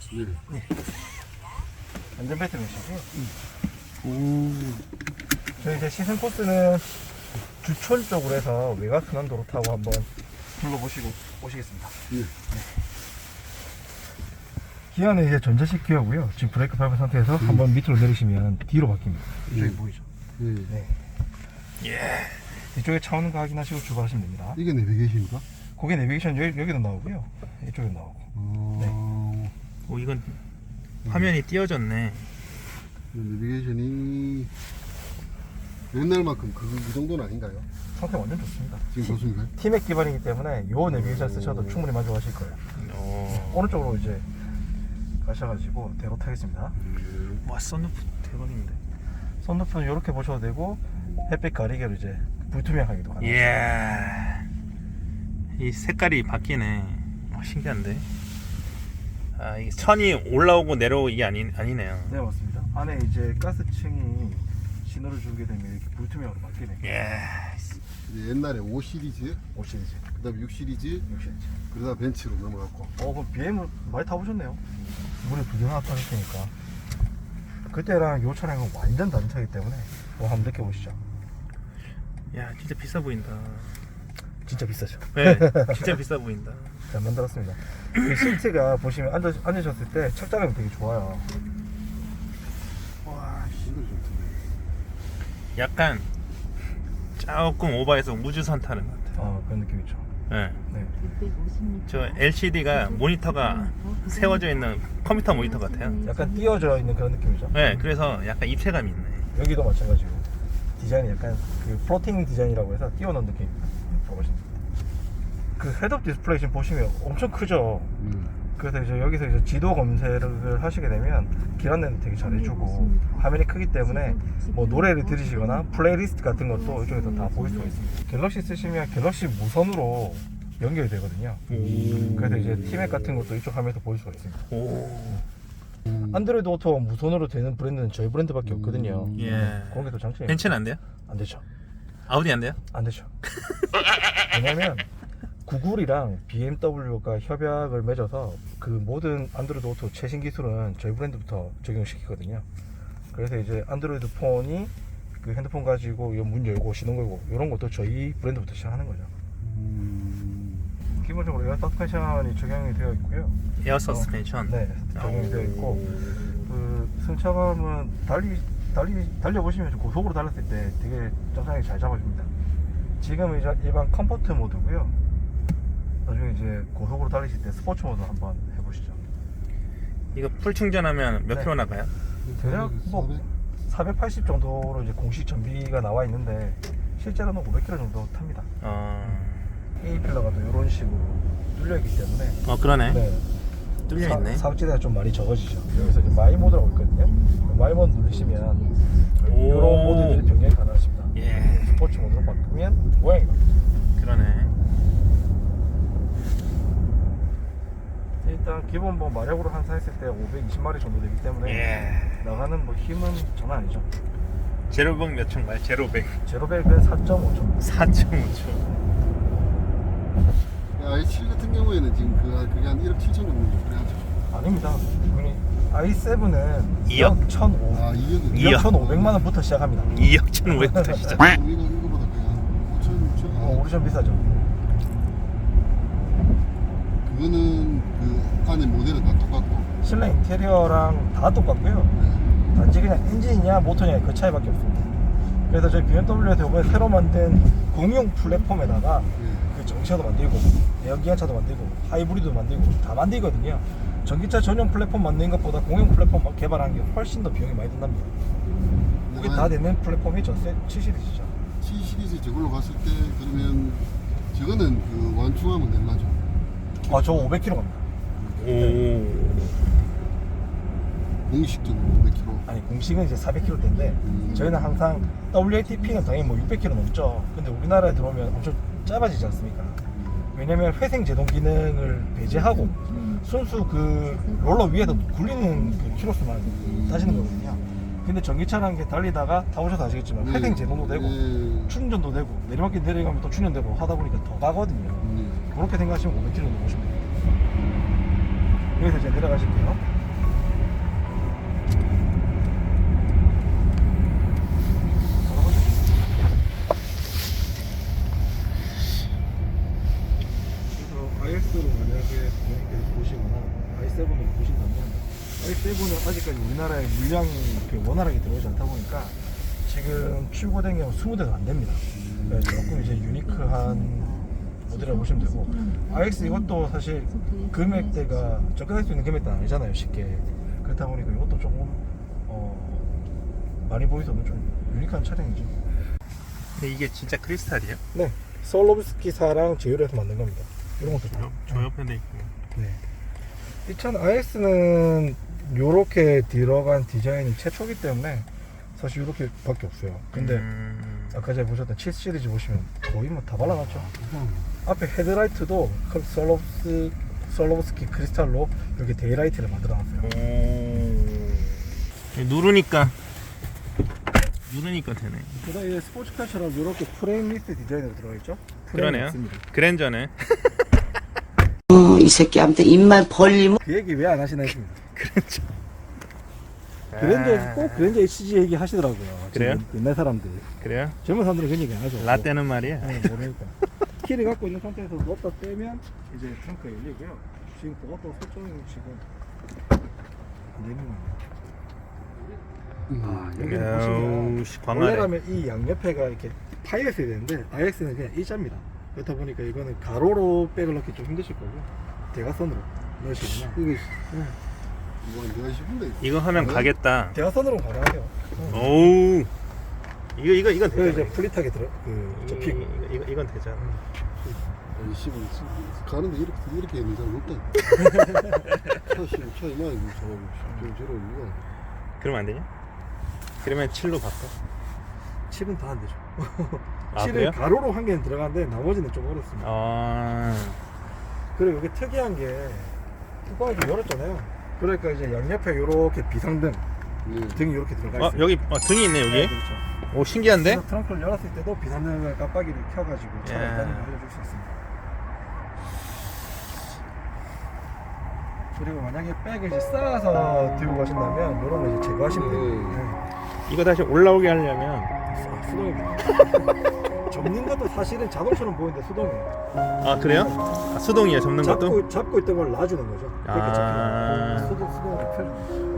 네. 안전벨트 매시고요. 저희 이제 시승 코스는 주촌 쪽으로 해서 외곽순환 도로 타고 한번 둘러보시고 오시겠습니다. 네. 기아는 이제 전자식 기어고요. 지금 브레이크 밟은 상태에서 한번 밑으로 내리시면 뒤로 바뀝니다. 이쪽이 보이죠? 네. 예. 이쪽에 차 오는 거 확인하시고 출발하시면 됩니다. 이게 내비게이션인가? 거기 내비게이션 여기도 나오고요. 이쪽에도 나오고. 오, 이건 화면이 띄어졌네. 내비게이션이 옛날만큼 그 정도는 아닌가요? 상태 완전 좋습니다. 지금 좋습니까? 티맥 기반이기 때문에 요 내비게이션 쓰셔도 충분히 만족하실 거예요. 오른쪽으로 이제 가셔가지고 대로 타겠습니다. 와, 썬루프 대박인데. 선루프는 이렇게 보셔도 되고 햇빛 가리개로 이제 불투명하게도 가능합니다. 이야, 이 색깔이 바뀌네. 신기한데. 아, 이게 천이 올라오고 내려오고 이게 아니네요. 네, 맞습니다. 안에 이제 가스층이 신호를 주게 되면 이렇게 불투명으로 바뀌네요. 예. 이제 옛날에 5 시리즈, 5 시리즈, 그 다음에 6 시리즈, 6 시리즈. 그러다 벤츠로 넘어갔고. 그럼 BM을 많이 타보셨네요. 물에 두 개나 타실 테니까. 그때랑 요 차량은 완전 다른 차이기 때문에 한번 느껴보시죠. 야, 진짜 비싸 보인다. 진짜 비싸죠. 네, 진짜 비싸 보인다. 잘 만들었습니다. 이 시트가 보시면 앉으셨을 때 착장감이 되게 좋아요. 와, 이거 좋던데. 약간 조금 오버해서 우주선 타는 것 같아요. 그런 느낌이죠. 네. 네. 저 LCD가 모니터가 세워져 있는 컴퓨터 모니터 같아요. 약간 띄어져 있는 그런 느낌이죠. 네, 그래서 약간 입체감이 있네. 여기도 마찬가지고 디자인이 약간 그 플로팅 디자인이라고 해서 띄워놓은 느낌입니다. 봐보시면 그 헤드업 디스플레이 지금 보시면 엄청 크죠. 그래서 이제 여기서 이제 지도 검색을 하시게 되면 길 안내도 되게 잘해주고 화면이 크기 때문에 뭐 노래를 들으시거나 플레이리스트 같은 것도 이쪽에서 다 보일 수가 있습니다. 갤럭시 쓰시면 갤럭시 무선으로 연결이 되거든요. 그래서 이제 티맥 같은 것도 이쪽 화면에서 보일 수가 있습니다. 오. 안드로이드 오토가 무선으로 되는 브랜드는 저희 브랜드밖에 없거든요. 예. 그런 게 또 장점이에요. 벤츠는 안 돼요? 안 되죠. 아우디 안 돼요? 안 되죠. 왜냐면 구글이랑 BMW가 협약을 맺어서 그 모든 안드로이드 오토 최신 기술은 저희 브랜드부터 적용시키거든요. 그래서 이제 안드로이드 폰이 그 핸드폰 가지고 문 열고 시동 걸고 이런 것도 저희 브랜드부터 시작하는 거죠. 기본적으로 에어 서스펜션이 적용이 되어 있고요. 에어 서스펜션. 네, 적용이 되어 있고 그 승차감은 달려보시면 고속으로 달렸을 때 되게 정상에 잘 잡아줍니다. 지금 이제 일반 컴포트 모드고요. 나중에 이제 고속으로 달리실 때 스포츠 모드 한번 해보시죠. 이거 풀 충전하면 몇 네. 킬로 나가요? 대략 뭐 480 정도로 이제 공식 전비가 나와 있는데 실제로는 500km 정도 탑니다. A 필러가 또 이런 식으로 뚫려 있기 때문에 그러네. 네, 뚫려 있네. 사각지대가 좀 많이 적어지죠. 여기서 이제 마이 모드라고 있거든요. 마이 모드 누르시면 이런 모드들이 변경이 가능하십니다. 예. 스포츠 모드로 바꾸면 모양이 바뀌죠. 그러네. 일단 기본 뭐 마력으로 환산했을 때 520마리 정도 되기 때문에 예. 나가는 뭐 힘은 장난 아니죠. 제로백 몇 초인가요? 제로백. 제로백은 4.5초. 4.5초. i7 같은 경우에는 지금 그게 한 1억 7천 정도 그래야죠. 아닙니다. i7은 2억? 1,500. 아, 2억이 2억. 1,500만 원부터 시작합니다. 2억 1,500부터 시작. 이거보다 그냥 한 5천, 6천. 우리 좀 비싸죠. 그거는 그 안에 모델은 다 똑같고. 실내 인테리어랑 다 똑같고요. 단지 그냥 엔진이냐 모터냐 그 차이밖에 없습니다. 그래서 저희 BMW에서 이번에 새로 만든 공용 플랫폼에다가 그 전기차도 만들고 내연기관차도 만들고 하이브리드도 만들고 다 만들거든요. 전기차 전용 플랫폼 만드는 것보다 공용 플랫폼 개발하는 게 훨씬 더 비용이 많이 든답니다. 그게 다 되는 플랫폼이 전세 7시리즈죠. 7 시리즈 저걸로 갔을 때 그러면 저거는 그 완충하면 얼마죠? 저 500km 갑니다. 오. 공식적으로 500km. 아니 공식은 이제 400km대인데 저희는 항상 WLTP는 당연히 뭐 600km 넘죠. 근데 우리나라에 들어오면 엄청 짧아지지 않습니까? 왜냐면 회생 제동 기능을 배제하고 순수 그 롤러 위에서 굴리는 그 키로수만 따지는 거거든요. 근데 전기차라는 게 달리다가 타보셔서 아시겠지만 회생 제동도 되고 충전도 되고 내리막길 내려가면 또 충전되고 하다 보니까 더 가거든요. 그렇게 생각하시면 500km 넘으시면 됩니다. 여기서 이제 내려가실게요. 아직까지 우리나라에 물량이 이렇게 원활하게 들어오지 않다 보니까 지금 출고된 경우 20대도 안 됩니다. 그래서 조금 이제 유니크한 모델이라고 보시면 되고, RX 이것도 사실 금액대가 접근할 수 있는 금액대는 아니잖아요, 쉽게. 그렇다 보니까 이것도 조금 많이 보이서는 좀 유니크한 차량이죠. 근데 이게 진짜 크리스탈이에요? 네, 솔로브스키사랑 제휴해서 만든 겁니다. 이런 것도 좀. 저 옆에도 있고. 네. 이 차는 RX는 요렇게 들어간 디자인이 최초기 때문에 사실 요렇게 밖에 없어요. 근데 아까 제가 보셨던 7 시리즈 보시면 거의 뭐 다 발라놨죠. 앞에 헤드라이트도 솔로브스키 크리스탈로 이렇게 데이라이트를 만들어놨어요. 누르니까 되네. 그다음에 스포츠카처럼 이렇게 프레임리스 디자인으로 들어가있죠. 그러네요. 그랜저네. 이 새끼한테 입만 벌리면 그 얘기 왜 안 하시나 했습니다. 그랜저. 그랜저 꼭 그랜저 HG 얘기 하시더라고요. 그래요? 지금 옛날 사람들. 그래요? 젊은 사람들은 그런 얘기 안 하죠. 라떼는 말이야. 네, 모르니까. 키를 갖고 있는 상태에서 넣었다 빼면 이제 트렁크가 열리고요. 지금 그것도 설정이 지금 안 되는 거예요. 여기는 보시면 아우, 씨, 광활해. 원래라면 이 양옆에가 이렇게 파였어야 되는데 RX는 그냥 일자입니다. 그렇다 보니까 이거는 가로로 백을 넣기 좀 힘드실 거고 대각선으로 넣으시면 이게 뭐 내가 싶은데 이거 하면 가겠다. 대각선으로 가능하죠. 오우. 이건 그 되잖아. 이제 플릿하게 접히고. 이건 되잖아. 아니 씨발 가는데 이렇게 있는 사람 없다. 사실 차이 많이 저런 이거. 그러면 안 되냐? 그러면 7로 바꿔. 7은 다 안 되죠. 아, 7은 그래요? 가로로 한 개는 들어가는데 나머지는 좀 어렵습니다. 그리고 이게 특이한 게 뚜껑을 좀 열었잖아요. 그러니까 이제 양옆에 이렇게 비상등 네. 등이 이렇게 들어가 있어요. 여기 등이 있네 여기. 네, 그렇죠. 오 신기한데? 그래서 트렁크를 열었을 때도 비상등을 깜빡이를 켜가지고 차가 야. 있다는 걸 알려줄 수 있습니다. 그리고 만약에 백을 이제 쌓아서 들고 가신다면 이런 거 이제 제거하시면 됩니다. 이거 다시 올라오게 하려면 수동입니다. 접는 것도 사실은 자동처럼 보이는데 수동이에요. 아 그래요? 아, 수동이에요 접는 것도? 잡고 있던 걸 놔주는 거죠. 그렇게 아. 잡히면 수동으로 펴주는 거죠.